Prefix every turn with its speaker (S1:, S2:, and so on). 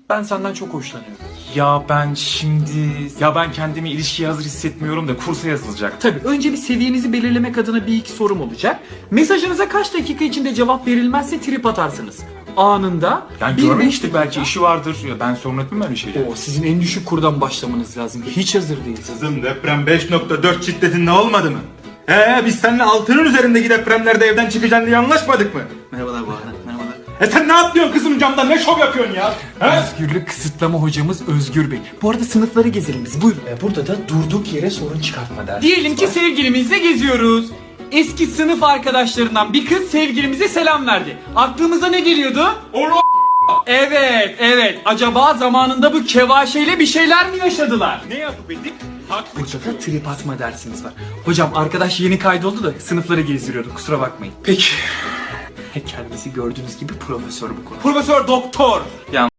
S1: Ben senden çok hoşlanıyorum. Ben kendimi ilişkiye hazır hissetmiyorum da kursa yazılacak.
S2: Tabii önce bir seviyenizi belirlemek adına bir iki sorum olacak. Mesajınıza kaç dakika içinde cevap verilmezse trip atarsınız. Anında.
S1: Yani
S2: bir
S1: görmemiştik,
S2: beş
S1: belki
S2: dakika.
S1: işi vardır. Ya ben sorun etmem öyle şeyler.
S2: Oo, sizin en düşük kurdan başlamanız lazım. Hiç hazır değilsiniz.
S3: Kızım deprem 5.4 şiddetinde olmadı mı? Biz seninle 6'nın üzerindeki depremlerde evden çıkacaksın diye anlaşmadık mı?
S2: Merhabalar bu arada. Merhabalar.
S3: Sen ne yapıyorsun kızım camdan, ne şov yapıyorsun ya?
S2: Özgürlük kısıtlama hocamız Özgür Bey. Bu arada sınıfları gezelim biz. Buyurun. Burada da durduk yere sorun çıkartma dersi.
S4: Diyelim ki sevgilimizle geziyoruz. Eski sınıf arkadaşlarından bir kız sevgilimize selam verdi. Aklımıza ne geliyordu? Evet. Acaba zamanında bu kevaşeyle bir şeyler mi yaşadılar?
S1: Ne yapıp edip?
S2: Burada da trip atma dersimiz var. Hocam arkadaş yeni kaydoldu da sınıfları gezdiriyordu. Kusura bakmayın.
S1: Peki.
S2: Kendisi gördüğünüz gibi profesör bu konu.
S1: Profesör doktor.